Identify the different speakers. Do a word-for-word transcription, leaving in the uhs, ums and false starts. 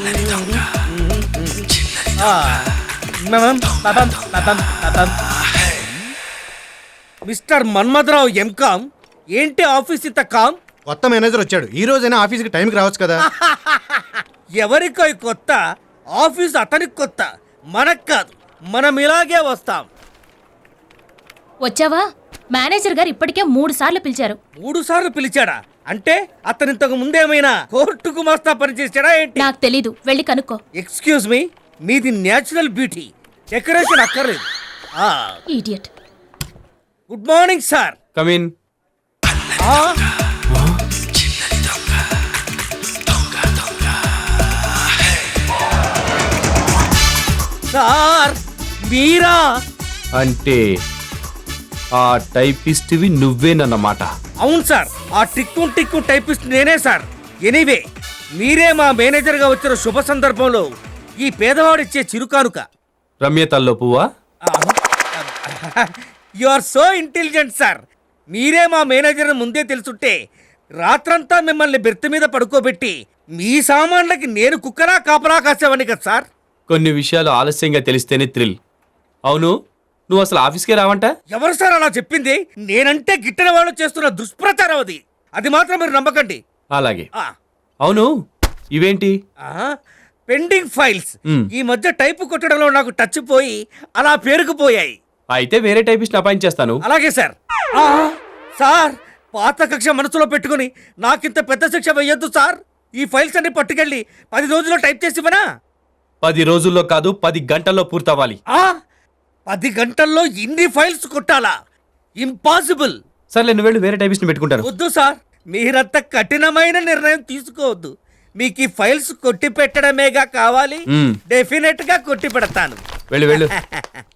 Speaker 1: Mister Manmatharao MCom, ఏంటి office ఇంత calm?
Speaker 2: కొత్త మేనేజర్ వచ్చాడు, ఈ రోజైనా ఆఫీస్కి టైంకి రావచ్చు కదా.
Speaker 1: ఎవరికో కొత్త ఆఫీస్, అతనికి కొత్త, మనకు కాదు. మనం ఇలాగే వస్తాం.
Speaker 3: వచ్చావా? మేనేజర్ గారు ఇప్పటికే మూడు సార్లు పిలిచారు.
Speaker 1: మూడు సార్లు పిలిచాడా? అంటే అతను ఇంతకు ముందేమైనా కోర్టుకు మస్తా పనిచేసాడా ఏంటి?
Speaker 3: నాకు తెలీదు, వెళ్ళి కనుక్కో.
Speaker 1: ఎక్స్క్యూజ్ మీ, మీది న్యాచురల్ బ్యూటీ, డెకరేషన్ అక్కర్లేదు.
Speaker 3: Idiot.
Speaker 1: Good morning sir.
Speaker 4: Come in.
Speaker 1: Sir మీరా?
Speaker 4: అంటే ఆ టైపిస్ట్వి నువ్వేనన్నమాట.
Speaker 1: అవును సార్, ఆ టిక్కు టిక్కు టైపిస్ట్ నేనే సార్. ఎనీవే, మీరే మా మేనేజర్గా వచ్చిన శుభ సందర్భంలో ఈ పేదవాడిచ్చే చిరుకానుక.
Speaker 4: రమ్య తల్లో పువ్వా?
Speaker 1: You are so intelligent sir. మీరే మా మేనేజర్ ముందే తెలుసుంటే రాత్రంతా మిమ్మల్ని బెర్త్ మీద పడుకోబెట్టి మీ సామాన్లకి నేను కుక్కరా కాపలా కాసేవాడిని కదా సార్.
Speaker 4: కొన్ని విషయాలు ఆలస్యంగా తెలిస్తేనే థ్రిల్. అవును, నువ్వు అసలు ఆఫీస్కే రావంట?
Speaker 1: ఎవరు సార్ అలా చెప్పింది? నేనంటే గిట్టిన వాళ్ళు చేస్తున్న దుష్ప్రచారం అది. అది మాత్రం మీరు నమ్మకండి.
Speaker 4: అలాగే. అవును, ఇవేంటి?
Speaker 1: Pending files. ఈ మధ్య టైపు కొట్టడంలో నాకు టచ్ పోయి అలా పేరుకుపోయాయి.
Speaker 4: అయితే వేరే టైపిస్ట్ అపాయింట్ చేస్తాను.
Speaker 1: అలాగే సార్. సార్, పాత కక్ష మనసులో పెట్టుకుని నాకింత పెద్ద శిక్ష వేయొద్దు సార్. ఈ ఫైల్స్ అన్ని పట్టుకెళ్ళి పది రోజుల్లో టైప్ చేసి ఇవ్వనా?
Speaker 4: పది రోజుల్లో కాదు, పది గంటల్లో పూర్తవ్వాలి.
Speaker 1: పది గంటల్లో ఇన్ని ఫైల్స్ కొట్టాలా? ఇంపాసిబుల్.
Speaker 4: సర్లే, నువ్వు వెళ్ళి వేరే టైపిస్ట్ పెట్టుకుంటాను.
Speaker 1: వద్దు సార్, మీరంత కఠినమైన నిర్ణయం తీసుకోవద్దు. మీకు ఈ ఫైల్స్ కొట్టి పెట్టడమేగా కావాలి. డెఫినెట్ గా కొట్టి పెడతాను.
Speaker 4: వెళ్ళు వెళ్ళు.